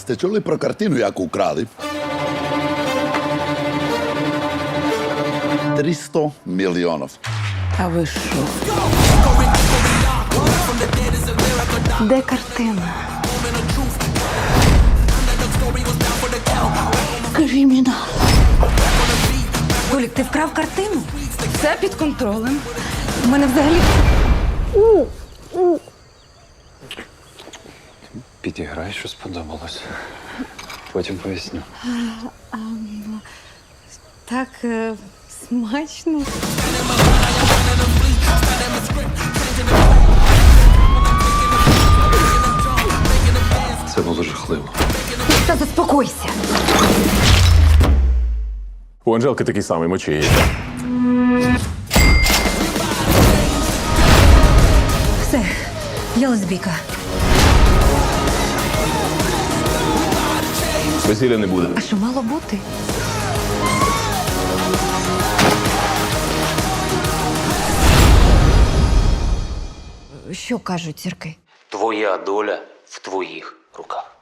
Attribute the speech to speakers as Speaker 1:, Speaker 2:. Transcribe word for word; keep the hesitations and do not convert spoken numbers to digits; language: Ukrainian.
Speaker 1: сте чули про картину, яку украли? триста мільйонів.
Speaker 2: А ви що? Де картина? Кримінал.
Speaker 3: Толік, ти вкрав картину?
Speaker 2: Все під контролем. У мене взагалі
Speaker 4: Підіграй, що сподобалось. Потім поясню.
Speaker 2: так е, смачно.
Speaker 4: Це було жахливо.
Speaker 3: Та заспокойся.
Speaker 5: У Анжелки такий самий мочі.
Speaker 3: Все, я лесбійка.
Speaker 5: Весілля не буде.
Speaker 3: А що мало бути? Що кажуть зірки?
Speaker 6: Твоя доля в твоїх руках.